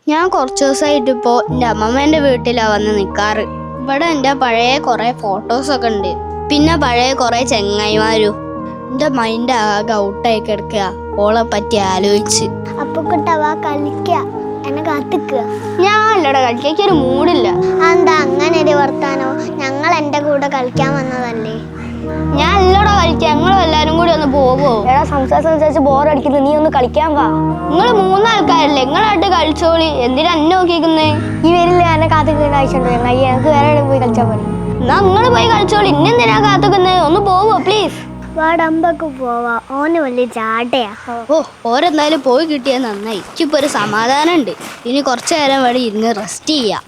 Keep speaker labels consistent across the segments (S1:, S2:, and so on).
S1: ഞാൻ കുറച്ച് ദിവസമായിട്ട് ഇപ്പോൾ എൻ്റെ അമ്മമ്മേൻ്റെ വീട്ടിലാണ് വന്ന് നിൽക്കാറ്. ഇവിടെ എൻ്റെ പഴയ കുറേ ഫോട്ടോസൊക്കെ ഉണ്ട്, പിന്നെ പഴയ കുറേ ചെങ്ങായിമാരും. എൻ്റെ മൈൻഡ് ആകെ ഔട്ടായി കിടക്കുക ഓളെ പറ്റി ആലോചിച്ച്.
S2: അപ്പൊ കിട്ടവാ കളിക്ക എന്നെ കാത്തിക്കുക.
S1: ഞാൻ അല്ലടെ കളിക്കാൻ ഒരു മൂഡില്ല.
S2: എന്താ അങ്ങനെ ഒരു വർത്താനോ? ഞങ്ങൾ എൻ്റെ കൂടെ കളിക്കാൻ വന്നതല്ലേ.
S1: ഞാൻ അല്ലടെ കളിക്കാം, ഞങ്ങളും എല്ലാരും കൂടി ഒന്ന് പോവോ?
S3: എടാ സംസാരിച്ച് ബോറടിക്കുന്നു, നീ ഒന്ന് കളിക്കാൻ വാ.
S1: നിങ്ങൾ മൂന്നാൾക്കാരല്ലേ, നിങ്ങളായിട്ട് കളിച്ചോളി. എന്തിനാ എന്നെ നോക്കിക്കുന്നേ?
S3: ഈ വരില്ല, എന്നെ കാത്തിക്കുന്ന ആവശ്യമുണ്ടോ? ഞങ്ങൾക്ക് വേറെ എവിടെ പോയി കളിച്ചാൽ മതി.
S1: എന്നാ നിങ്ങൾ പോയി കളിച്ചോളി, ഇന്നെന്തിനാ കാത്തിക്കുന്നത്? ഒന്ന് പോവോ പ്ലീസ്?
S2: വാടമ്പക്ക് പോവാ, ഓന് വലിയ ചാട്ടയാ.
S1: ഓ, ഓരെന്തായാലും പോയി കിട്ടിയാൽ നന്നായി. എനിക്കിപ്പോൾ ഒരു സമാധാനം ഉണ്ട്. ഇനി കുറച്ചു നേരം വഴി ഇരുന്ന് റെസ്റ്റ് ചെയ്യാം.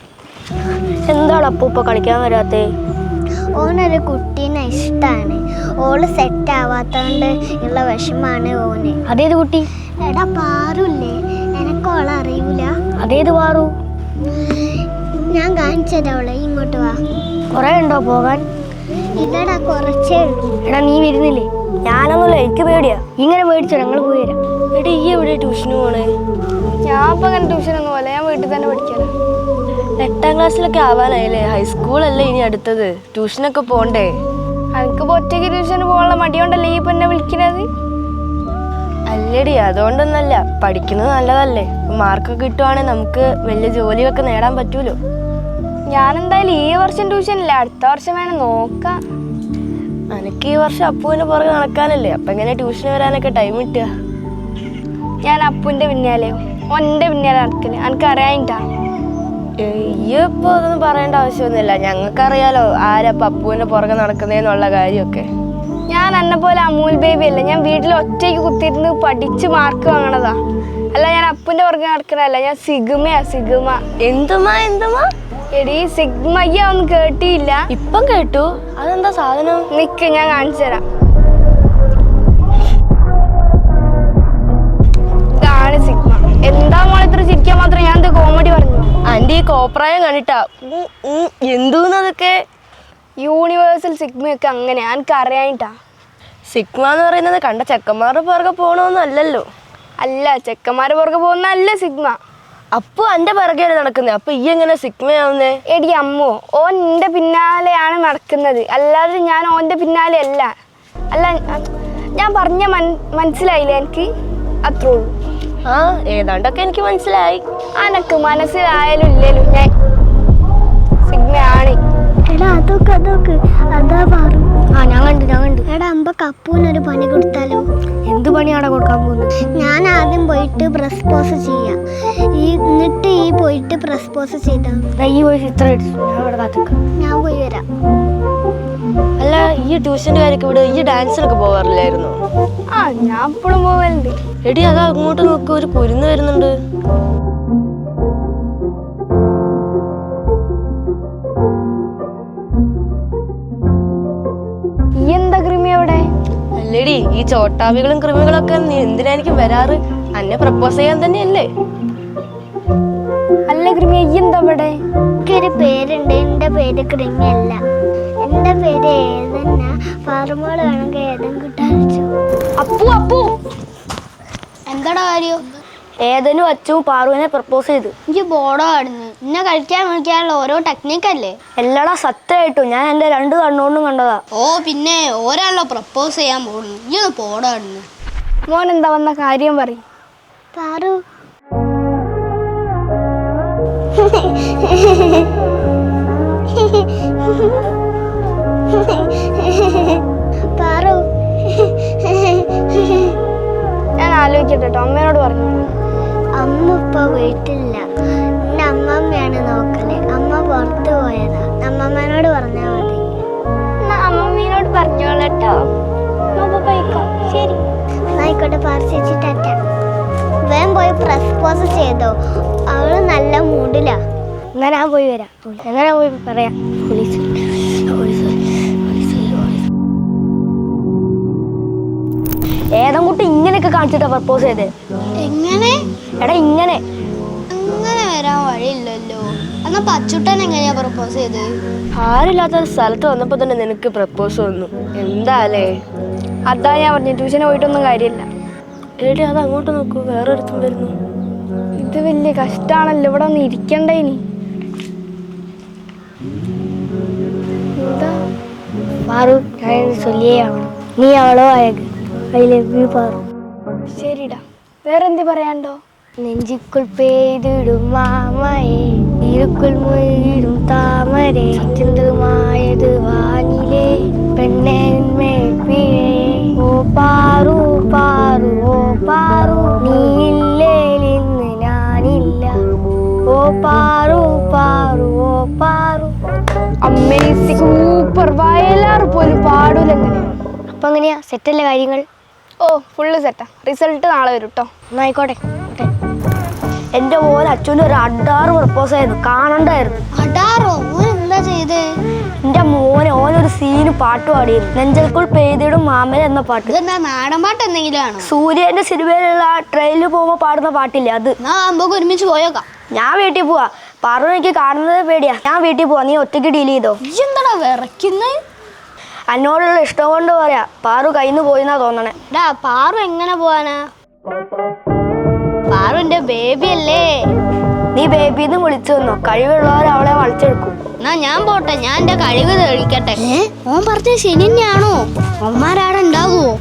S3: എന്താണ് അപ്പൂപ്പ കളിക്കാൻ വരാത്തേ?
S2: ഓനൊരു കുട്ടീനെ ഇഷ്ടമാണ്. ഓള് സെറ്റ് ആവാത്തോണ്ട് ഉള്ള വിഷമാണ് ഓന്.
S3: അതേത് കുട്ടി?
S2: എടാ പാറുല്ലേ, എനക്കോളെ അറിയൂല.
S3: അതേത് പാറു?
S2: ഞാൻ കാണിച്ചതോളെ, ഇങ്ങോട്ട് വാ.
S3: കൊറേ ഉണ്ടോ പോകാൻ?
S2: ഇല്ലടാ, കുറച്ചേ ഉള്ളൂ.
S3: എടാ നീ വരുന്നില്ലേ? ഞാനൊന്നുമില്ല, എനിക്ക് പേടിയാ. ഇങ്ങനെ പേടിച്ചോ, ഞങ്ങൾ പോയി തരാം. എടാ ഈ എവിടെ ട്യൂഷന് പോണേ?
S1: ഞാൻ ഇപ്പം അങ്ങനെ ട്യൂഷനൊന്നും പോലെ, ഞാൻ വീട്ടിൽ തന്നെ പഠിക്കാനാ.
S3: 8ാം ക്ലാസ്സിലൊക്കെ ആവാനായില്ലേ? ഹൈസ്കൂളല്ലേ ഇനി അടുത്തത്, ട്യൂഷനൊക്കെ പോണ്ടേ?
S1: എനിക്കിപ്പോൾ ഒറ്റയ്ക്ക് ട്യൂഷന് പോകാനുള്ള മടിയോണ്ടല്ലേ ഈ ഇപ്പം എന്നെ വിളിക്കുന്നത്?
S3: അല്ലടി, അതുകൊണ്ടൊന്നല്ല, പഠിക്കുന്നത് നല്ലതല്ലേ. മാർക്കൊക്കെ കിട്ടുവാണെങ്കിൽ നമുക്ക് വലിയ ജോലിയൊക്കെ നേടാൻ പറ്റൂലോ.
S1: ഞാനെന്തായാലും ഈ വർഷം ട്യൂഷനില്ല, അടുത്ത വർഷം വേണം നോക്കാം.
S3: എനിക്ക് ഈ വർഷം അപ്പുവിന് പുറകെ നടക്കാനല്ലേ, അപ്പം എങ്ങനെ ട്യൂഷന് വരാനൊക്കെ ടൈം കിട്ടുക?
S1: ഞാൻ അപ്പുവിൻ്റെ പിന്നാലെയോ ഒൻ്റെ പിന്നാലെ നടക്കില്ല, എനിക്കറിയാനിട്ടാ.
S3: ഇപ്പോൾ അതൊന്നും പറയേണ്ട ആവശ്യമൊന്നുമില്ല, ഞങ്ങൾക്കറിയാലോ ആരപ്പം അപ്പുവിൻ്റെ പുറകെ നടക്കുന്നതെന്നുള്ള കാര്യമൊക്കെ.
S1: ഞാൻ എന്നെ പോലെ അമൂൽ ബേബി അല്ല, ഞാൻ വീട്ടിൽ ഒറ്റയ്ക്ക് കുത്തിയിരുന്ന് പഠിച്ച് മാർക്ക് വാങ്ങണതാ. അല്ല, ഞാൻ അപ്പുവിൻ്റെ പുറകെ നടക്കണല്ല, ഞാൻ സിഗ്മയാ, സിഗ്മ.
S3: എന്തുമാ
S1: എടീ, സിഗ്മയ്യ ഒന്നും കേട്ടിയില്ല?
S3: ഇപ്പം കേട്ടു. അതെന്താ സാധനം?
S1: നിക്ക്, ഞാൻ കാണിച്ചു തരാം. ഇതാണ് സിഗ്മ. എന്താ മോളെ ഇത്ര ചിരിക്കാൻ മാത്രം? ഞാൻ എന്താ കോമഡി പറഞ്ഞു?
S3: ആൻറ്റി ഈ കോപ്രായം കണ്ടിട്ടാ. എന്തൂന്നതൊക്കെ?
S1: യൂണിവേഴ്സൽ സിഗ്മയൊക്കെ അങ്ങനെ എനിക്ക് അറിയാനിട്ടാ.
S3: സിഗ്മ എന്ന് പറയുന്നത് കണ്ട ചെക്കന്മാരുടെ പുറകെ പോകണമെന്നും അല്ലല്ലോ.
S1: അല്ല, ചെക്കന്മാരുടെ പുറകെ പോകുന്ന അല്ല സിഗ്മ.
S3: അപ്പു എൻ്റെ പുറകെയാണ് നടക്കുന്നത്, അപ്പൊ ഈ എങ്ങനെ സിഗ്മയാവുന്നേ?
S1: എടി അമ്മോ, ഓൻ എൻ്റെ പിന്നാലെയാണ് നടക്കുന്നത്, അല്ലാതെ ഞാൻ ഓൻ്റെ പിന്നാലെ അല്ല. അല്ല, ഞാൻ പറഞ്ഞ മനസ്സിലായില്ലേ എനിക്ക്? അത്രേ ഉള്ളൂ.
S3: ആ, ഏതാണ്ടൊക്കെ എനിക്ക് മനസ്സിലായി.
S1: അനക്ക് മനസ്സിലായാലും ഇല്ലേലും ഞാൻ സിഗ്മയാണ്.
S2: എടാ അതൊക്കെ അതാ പാറു.
S3: ഞാൻ കണ്ടു.
S2: എടാ അമ്പക്ക് അപ്പൂനൊരു പണി കൊടുത്താലോ?
S3: എന്ത് പണിയാണ് കൊടുക്കാൻ പോകുന്നത്?
S2: ഞാൻ ആദ്യം പോയിട്ട് പ്രസ്പോസ് ചെയ്യാം, എന്നിട്ട് ഈ പോയിട്ട് പ്രസ്പോസ് ചെയ്താ.
S3: ഈ പോയി ചിത്രം എടുത്തു, ഞാൻ ഇവിടെ കാത്തിക്കാം.
S2: ഞാൻ പോയി വരാം.
S3: അല്ല, ഈ ട്യൂഷൻ്റെ കാര്യമൊക്കെ ഇവിടെ ഈ ഡാൻസിനൊക്കെ പോകാറില്ലായിരുന്നു?
S1: ആ, ഞാൻ എപ്പോഴും പോകലുണ്ട്.
S3: എടി അതാ അങ്ങോട്ട് നോക്ക്, ഒരു കുരുന്ന് വരുന്നുണ്ട്.
S1: ഈ എന്താ കൃമി അവിടെ?
S3: അല്ലേടി, ഈ ചോട്ടാവികളും കൃമികളൊക്കെ എന്തിനാ എനിക്ക് വരാറ്? അന്നെ പ്രപ്പോസ് ചെയ്യാൻ തന്നെയല്ലേ?
S1: അല്ല കൃമി, ഈ എന്താ ഇവിടെ?
S2: എനിക്കൊരു പേരുണ്ട്, എൻ്റെ പേര് കൃമിയല്ല, എൻ്റെ പേര് ഏതെന്നാ. പാറുമോള് വേണമെങ്കിൽ ഏതും കിട്ടാച്ചു.
S1: അപ്പു എന്താടാ കാര്യം?
S3: ഏതനും അച്ഛനും പാറുവിനെ പ്രപ്പോസ് ചെയ്തു.
S1: എനിക്ക് ബോർഡോ ആടുന്നു. ഇന്നെ കളിക്കാൻ വിളിക്കാനുള്ള ഓരോ ടെക്നിക്കല്ലേ?
S3: എല്ലാടാ സത്യമായിട്ടും, ഞാൻ എൻ്റെ 2 കണ്ണുകൊണ്ടും കണ്ടതാ.
S1: ഓ പിന്നെ ഒരാളോ പ്രപ്പോസ് ചെയ്യാൻ പോകുന്നു, ഈ ഒന്ന് ബോർഡോ ആടുന്നു. മോൻ എന്താ വന്ന കാര്യം പറയും?
S2: പാറു പാറു
S1: ഞാൻ ആലോചിക്കട്ടെ കേട്ടോ, അമ്മേനോട് പറഞ്ഞു.
S2: അമ്മ ഇപ്പൊ വീട്ടിലില്ല, എന്റെ അമ്മമ്മയാണ് നോക്കല്. അമ്മ പുറത്തു പോയതാ, അമ്മമ്മേനോട് പറഞ്ഞാ മതി.
S1: അമ്മമ്മേനോട് പറഞ്ഞോളട്ടോ.
S2: ശരി, ആയിക്കോട്ടെ. പറിച്ചിട്ടാറ്റ വേഗം പോയി പ്രസ്പോസ് ചെയ്തോ, അവള് നല്ല മൂഡിലാ.
S3: എന്നാ ഞാൻ പോയി വരാം. എങ്ങനെ പോയി പറയാം? പോലീസ് ഏതെങ്കുട്ടി ഇങ്ങനെയൊക്കെ കാണിച്ചിട്ടാ പ്രപ്പോസ് ചെയ്തേ?
S1: എങ്ങനെ?
S3: എടാ ഇങ്ങനെ
S1: വരാൻ വഴിയില്ലല്ലോ. എന്നാ പച്ചുട്ടൻ എങ്ങനെയാ പ്രപ്പോസ് ചെയ്ത്?
S3: ആരില്ലാത്ത സ്ഥലത്ത് വന്നപ്പോ തന്നെ നിനക്ക് പ്രപ്പോസ് വന്നു, എന്താലേ?
S1: അതാ ഞാൻ പറഞ്ഞു, ട്യൂഷന് പോയിട്ടൊന്നും കാര്യമില്ല.
S3: എടി അത് അങ്ങോട്ട് നോക്കൂ, വേറൊരുത്തും വരുന്നു. ഇത് വലിയ കഷ്ടാണല്ലോ, ഇവിടെ ഒന്ന് ഇരിക്കണ്ടേ ഇനി. എന്താ
S2: പാറു, ഞാൻ ചൊല്ലിയാണ്, നീ അവളോ അയക്ക്. I love you Paru.
S3: ശരിടാ, വേറെന്ത് പറയാണ്ടോ?
S2: നെഞ്ചിക്കുൾ പെയ്തിടും മാമയെ, ഇരുക്കുൾ മുഴുകിടും താമരെ, ചിന്തമായത് വാനിലെ പെണ്ണേന്മേ. ഓ പാറു പാറു ഓ പാറു, നീയില്ലേലിന്ന് ഞാനില്ല. ഓ പാറു പാറു ഓ പാറു.
S3: Amazing, super. വയലാർ പോലും പാടൂലെങ്ങനെ.
S2: അപ്പൊ എങ്ങനെയാ, സെറ്റല്ലേ കാര്യങ്ങൾ?
S3: ഓ ഫുള്ള് സെറ്റാ. റിസൾട്ട് നാളെ വരും കേട്ടോ.
S2: എന്നായിക്കോട്ടെ.
S3: എൻ്റെ പോലെ അച്ഛൻ്റെ ഒരു 6 പ്രപ്പോസ് ആയിരുന്നു, കാണണ്ടായിരുന്നു.
S2: അടാറോ, ഓൻ എന്താ ചെയ്ത്?
S3: എൻ്റെ ഓനൊരു സീന് പാട്ട് പാടിയിരുന്നു, നെഞ്ചൽക്കുൾ പെയ്തിടും മാമല എന്ന പാട്ട്.
S1: ഇതെന്താ നാടൻ പാട്ട് എന്തെങ്കിലും ആണോ?
S3: സൂര്യന്റെ സിനിമയിലുള്ള ട്രെയിനിൽ പോകുമ്പോൾ പാടുന്ന പാട്ടില്ലേ അത്.
S1: നമുക്ക് ഒരുമിച്ച് പോയേക്കാം.
S3: ഞാൻ വീട്ടിൽ പോവാ. പാറു എനിക്ക് കാണുന്നത് പേടിയാ. ഞാൻ വീട്ടിൽ പോവാ, നീ ഒറ്റയ്ക്ക് ഡീൽ ചെയ്തോ.
S1: എന്താടാ വിറയ്ക്കുന്നത്?
S3: എന്നോടുള്ള ഇഷ്ടം കൊണ്ട് പറയാ, പാറു കയ്യിന്ന് പോയിന്നാ തോന്നണേ.
S1: പാറു എങ്ങനെ പോവാനാ? പാറു എന്റെ ബേബി അല്ലേ.
S3: നീ ബേബിന്ന് വിളിച്ചു വന്നോ, കഴിവുള്ളവർ അവളെ വളച്ചെടുക്കും.
S1: എന്നാ ഞാൻ പോട്ടെ, ഞാൻ എന്റെ കഴിവ് തെളിക്കട്ടെ. ഓൻ പറഞ്ഞ ശനി തന്നെയാണോ? അവന്മാരാടെ ഉണ്ടാകുവോ?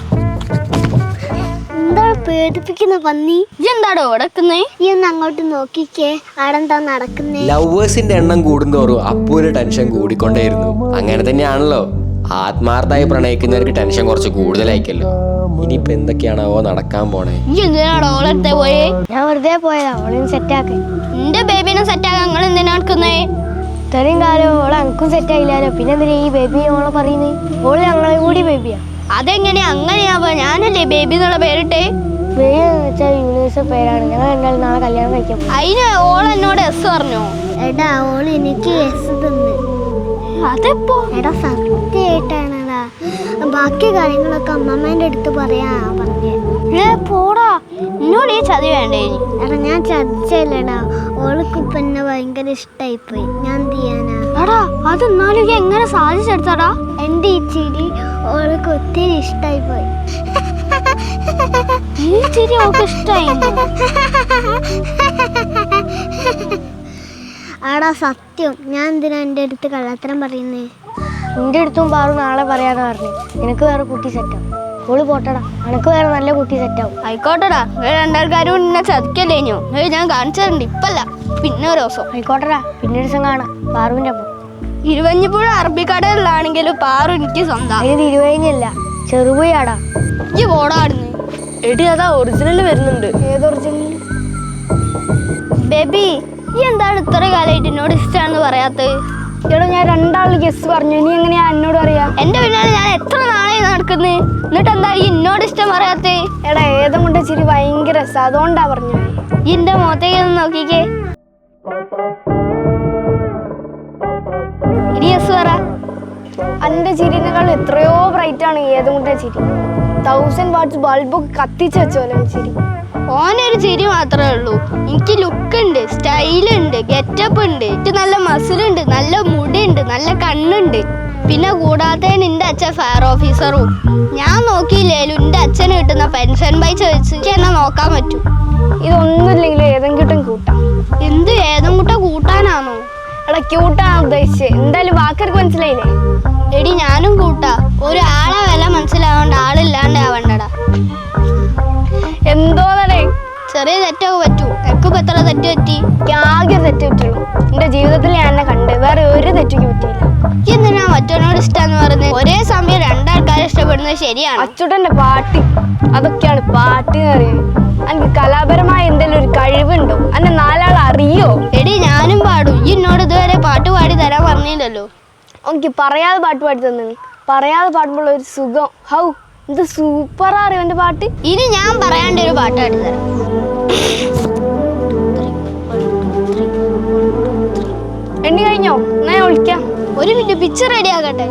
S2: എന്താ പേടിപ്പിക്കുന്ന പന്നി?
S1: എന്താടോ ഉടക്കുന്നേ?
S2: ഈ ഒന്ന് അങ്ങോട്ട് നോക്കിക്കേ, ആടെന്താ നടക്കുന്നേ?
S4: ലവേഴ്സിന്റെ എണ്ണം കൂടുന്തോറും അപ്പൂര് ടെൻഷൻ കൂടിക്കൊണ്ടേയിരുന്നു. അങ്ങനെ തന്നെയാണല്ലോ, ആത്മാർത്ഥമായി പ്രണയിക്കുന്നവർക്ക് ടെൻഷൻ കുറച്ച് കൂടുതലായിക്കല്ലോ. ഇനിയിപ്പോ എന്തൊക്കെയാണോ നടക്കാൻ പോണേ?
S1: എന്തിനാടോ ഓളത്തെ പോയേ?
S2: ഞാൻ വെറുതെ പോയതാ, അവളെ സെറ്റാക്കി.
S1: എന്റെ ബേബിനെ സെറ്റാക്കാൻ നിങ്ങൾ എന്തിനാ നടക്കുന്നേ?
S2: ഇത്രയും കാലം ഓളെ എനിക്കും സെറ്റ് ആയില്ലാലോ, പിന്നെ എന്തിനാ ഈ ബേബി ഓളെ പറയുന്നേ? ഓള് ഞങ്ങളെ കൂടി ബേബിയാ.
S1: അതെങ്ങനെയാ അങ്ങനെയാവുക? ഞാനല്ലേ ബേബി എന്നുള്ള പേരിട്ടെ.
S2: ബേബി എന്ന് വെച്ചാൽ യൂണിവേഴ്സൽ പേരാണ്. ഞങ്ങൾ രണ്ടാളും നാളെ കല്യാണം കഴിക്കാൻ.
S1: അതിന് ഓൾ എന്നോട് എസ് പറഞ്ഞോ?
S2: എടാ, ഓള് എനിക്ക് എസ് തന്ന്.
S1: അതെപ്പോ?
S2: എടാ സത്യമായിട്ടാണടാ, ബാക്കി കാര്യങ്ങളൊക്കെ അമ്മമ്മേന്റെ അടുത്ത് പറയാ പറഞ്ഞേ.
S1: പോടാ, എന്നോട് ഈ ചതി വേണ്ടേ?
S2: എടാ ഞാൻ ചതിച്ചല്ലടാ, ഓൾക്ക് ഇപ്പൊ എന്നെ ഭയങ്കര ഇഷ്ടായിപ്പോയി. ഞാൻ എന്ത് ചെയ്യാനാ?
S1: എടാ അതെന്നാലും എങ്ങനെ സാധിച്ചെടുത്താടാ?
S2: എന്റെ ഈ ചിരി ഓൾക്ക് ഒത്തിരി ഇഷ്ടായിപ്പോയി.
S1: ഈ ചിരി ഓൾക്ക് ഇഷ്ടായി?
S2: ആടാ സത്യം, ഞാൻ എന്തിനാ എൻ്റെ അടുത്ത് കള്ളത്തരം പറയുന്നേ? എൻ്റെ അടുത്തും പാറു നാളെ പറയാന്ന് പറഞ്ഞു. നിനക്ക് വേറെ കുട്ടി സെറ്റാവും. ഓള് പോട്ടടാ, നിനക്ക് വേറെ നല്ല കുട്ടി സെറ്റാവും.
S1: ആയിക്കോട്ടെടാ, രണ്ടാൾക്കാരും എന്നെ ചതിക്കല്ലേഞ്ഞോ? ഞാൻ കാണിച്ചിട്ടുണ്ട്, ഇപ്പല്ല പിന്നെ ഒരു ദിവസം.
S2: ആയിക്കോട്ടടാ, പിന്നെ ഒരു ദിവസം കാണാം. പാറുവിൻ്റെ അപ്പം
S1: ഇരുവഞ്ഞിപ്പുഴ അറബിക്കടലിലാണെങ്കിലും പാറു എനിക്ക് സ്വന്തം.
S2: അതിന് തിരുവഴിഞ്ഞല്ല, ചെറുപുയാടാ.
S1: ഈ പോടാടുന്നു.
S3: എടി അതാ ഒറിജിനൽ വരുന്നുണ്ട്.
S2: ഏത് ഒറിജിനൽ?
S1: ബേബി, ഈ എന്താണ് ഇത്ര കാലമായിട്ട് എന്നോട് ഇഷ്ടമാണെന്ന് പറയാത്തത്?
S3: എടോ, ഞാൻ 2 ആൾ ഗസ് പറഞ്ഞു, ഇനി എങ്ങനെയാ എന്നോട് അറിയാം?
S1: എന്റെ പിന്നാലെ ഞാൻ എത്ര നാളായി നടക്കുന്നത്, എന്നിട്ട് എന്താ ഈ എന്നോട് ഇഷ്ടം പറയാത്തേ?
S3: എടാ, ഏതും കൊണ്ട് ചിരി ഭയങ്കര രസം, അതുകൊണ്ടാ പറഞ്ഞു.
S1: ഈ എന്റെ മുഖത്തേക്ക് ഒന്ന് നോക്കിക്കേ. ഇനി യെസ് പറ.
S3: എൻ്റെ ചിരിനേക്കാൾ എത്രയോ ബ്രൈറ്റ് ആണ് ഏതും കൊണ്ടേ ചിരി. 1000 വാട്ട്സ് ബൾബൊക്കെ കത്തിച്ച് വെച്ചോലാണ് ചിരി.
S1: ഓനൊരു ചിരി മാത്രമേ ഉള്ളൂ. എനിക്ക് ലുക്ക് ഉണ്ട്, സ്റ്റൈലുണ്ട്, ഗെറ്റപ്പ് ഉണ്ട്, എനിക്ക് നല്ല മസിലുണ്ട്, നല്ല മുടിയുണ്ട്, നല്ല കണ്ണുണ്ട്. പിന്നെ കൂടാതെ നിന്റെ അച്ഛൻ ഫയർ ഓഫീസറും. ഞാൻ നോക്കിയില്ലേലും എന്റെ അച്ഛന് കിട്ടുന്ന പെൻഷൻ പൈസ വെച്ച് എനിക്ക് എന്നെ നോക്കാൻ പറ്റും.
S3: ഇതൊന്നുമില്ലെങ്കിലും ഏതെങ്കിലും കൂട്ടാം.
S1: എന്ത് ഏതും കൂട്ട കൂട്ടാനാണോ?
S3: എടാ, ക്യൂട്ടാണ് ഉദ്ദേശിച്ചത്. എന്തായാലും വാക്കർക്ക് മനസ്സിലായില്ലേ?
S1: എടി ഞാനും കൂട്ടാ. ഒരാളെ വില മനസ്സിലാവണ്ട, ആളില്ലാണ്ട് ആവണ്ടടാ.
S3: എന്തോന്നടേ,
S1: ചെറിയ തെറ്റൊക്കെ പറ്റൂ. എനിക്കിപ്പോ എത്ര തെറ്റ് പറ്റി?
S3: ആകെ തെറ്റ് പറ്റുള്ളൂ. എൻ്റെ ജീവിതത്തിൽ ഞാൻ എന്നെ കണ്ട് വേറെ ഒരു തെറ്റിക്ക് പറ്റിയില്ല.
S1: എന്തിനാ മറ്റവനോട് ഇഷ്ടമെന്ന് പറയുന്നത്? ഒരേ സമയം രണ്ടാൾക്കാരെ ഇഷ്ടപ്പെടുന്നത് ശരിയാണ്.
S3: അച്ചുട്ടൻ്റെ പാട്ട്, അതൊക്കെയാണ് പാട്ട് എന്ന് പറയുന്നത്. എനിക്ക് കലാപരമായ എന്തെങ്കിലും ഒരു കഴിവുണ്ടോ? എന്നെ 4 ആൾ അറിയോ?
S1: എടി ഞാനും പാടും. ഈ എന്നോട് ഇതുവരെ പാട്ട് പാടി തരാൻ പറഞ്ഞില്ലല്ലോ.
S3: എനിക്ക് പറയാതെ പാട്ട് പാടി തന്നെ. പറയാതെ പാടുമ്പോൾ ഒരു സുഖം, ഹൗ ഇത് സൂപ്പറാ അറിയോ എൻ്റെ പാട്ട്.
S1: ഇനി ഞാൻ പറയാണ്ട് ഒരു പാട്ട് പാടി തരാം.
S3: എണ്ണി കഴിഞ്ഞോ? ഞാൻ വിളിക്കാം.
S1: ഒരു മിനിറ്റ്, പിക്ചർ റെഡി ആകട്ടെ.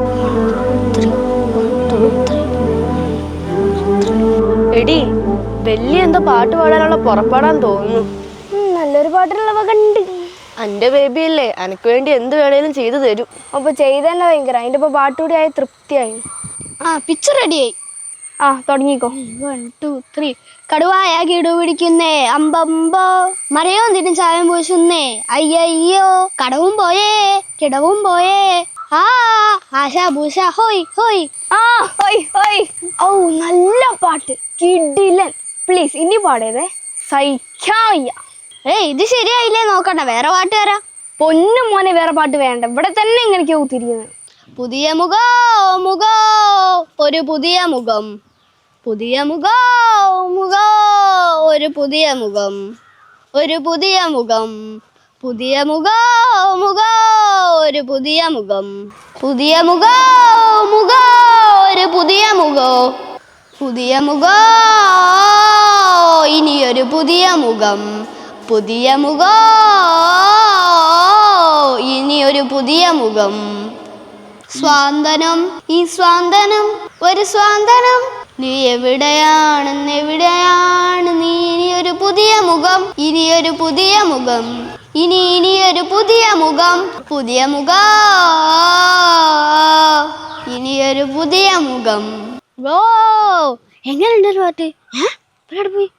S3: എടി, വലിയ എന്തോ പാട്ട് പാടാനുള്ള പുറപ്പാടാൻ തോന്നുന്നു. നല്ലൊരു പാട്ടിനുള്ള വക ഉണ്ട്. എൻ്റെ ബേബി അല്ലേ, എനിക്ക് വേണ്ടി എന്ത് വേണേലും ചെയ്തു തരും. അപ്പൊ ചെയ്തന്നെ ഭയങ്കര. അതിൻ്റെ ഇപ്പൊ പാട്ടുകൂടി ആയി തൃപ്തിയായി.
S1: പിക്ചർ റെഡിയായി.
S2: ആ തുടങ്ങിക്കോ.
S1: 1 2 3 കടുവായ കിടു പിടിക്കുന്നേ അമ്പമ്പോ മരയോന്തിനും ചായം പൂശുന്നേ അയ്യോ കടവും പോയേ കിടവും പോയേ ആ ആശ ഭൂഷ ഹോയ് ഹോയ്.
S2: ആ ഹോയ് ഹോയ്. ഓ നല്ല പാട്ട്, കിടിലൻ. പ്ലീസ് ഇനി പാടേതേ, സഹിക്കാൻ വയ്യ.
S1: ഇത് ശരിയായില്ലേ, നോക്കണ്ട വേറെ പാട്ട് തരാം.
S2: പൊന്നു മോനെ വേറെ പാട്ട് വേണ്ട, ഇവിടെ തന്നെ ഇങ്ങനെയൊക്കെ കുത്തിരിക്കുന്നത്.
S1: പുതിയ മുഖോ മുഖോ ഒരു പുതിയ മുഖം പുതിയ മുഖോ മുഖോ ഒരു പുതിയ മുഖം ഒരു പുതിയ മുഖം പുതിയ മുഖോ മുഖോ ഒരു പുതിയ മുഖം പുതിയ മുഖോ മുഖോ ഒരു പുതിയ മുഖോ പുതിയ മുഖോ ഇനിയൊരു പുതിയ മുഖം പുതിയ മുഖോ ഇനിയൊരു പുതിയ മുഖം സ്വാന്തനം ഈ സ്വാന്തനം ഒരു സ്വാന്തനം നീ എവിടെയാണ് നീ ഇനിയൊരു പുതിയ മുഖം ഇനിയൊരു പുതിയ മുഖം ഇനിയൊരു പുതിയ മുഖം പുതിയ മുഖം ഇനിയൊരു പുതിയ മുഖം.
S2: ഓ എങ്ങനെയുണ്ട് ഒരു പാട്ട്? പോയി